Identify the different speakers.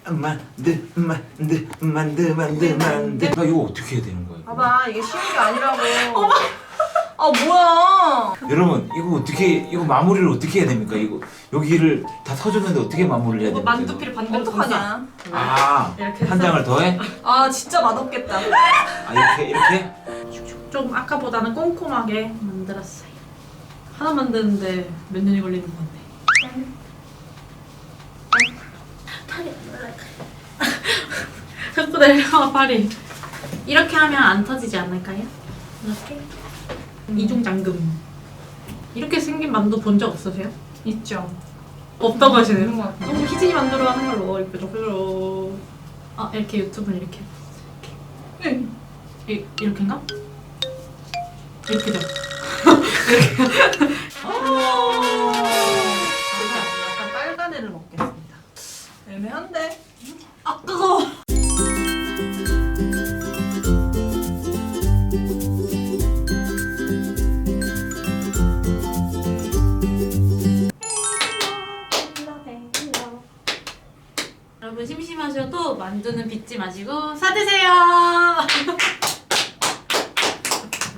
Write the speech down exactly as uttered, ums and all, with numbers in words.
Speaker 1: 만드 만드 만드 만드 만드. 나 이거 어떻게 해야 되는 거야? 이거?
Speaker 2: 봐봐 이게 쉬운 게 아니라고. 아 뭐야?
Speaker 1: 여러분 이거 어떻게 이거 마무리를 어떻게 해야 됩니까? 이거 여기를 다 터졌는데 어떻게 마무리를 해야 됩니까?
Speaker 3: 만두피를 반대로
Speaker 2: 어떡하냐?
Speaker 1: 아,
Speaker 3: 이렇게
Speaker 1: 한
Speaker 3: 해서.
Speaker 1: 장을 더해?
Speaker 2: 아 진짜 맛없겠다.
Speaker 1: 아 이렇게 이렇게?
Speaker 3: 좀 아까보다는 꼼꼼하게 만들었어요. 하나 만드는데 몇 년이 걸리는 건데. 팔이 안 올라가요. 자꾸 내려와 팔이. 이렇게 하면 안 터지지 않을까요? 이렇게?
Speaker 2: 음.
Speaker 3: 이중 잠금. 이렇게 생긴 만두 본 적 없으세요?
Speaker 2: 있죠.
Speaker 3: 없다고 하시네요.
Speaker 2: 있는 것 같아요.
Speaker 3: 너무 희진이 만두로 하는 걸로 이렇게 좀 아 이렇게 유튜브는 이렇게 이렇게
Speaker 2: 응.
Speaker 3: 이, 이렇게인가? 이렇게죠.
Speaker 2: 약간 빨간 애를 먹겠습니다. 애매한데.
Speaker 3: 아 뜨거워. 여러분 심심하셔도 만두는 빚지 마시고 사드세요.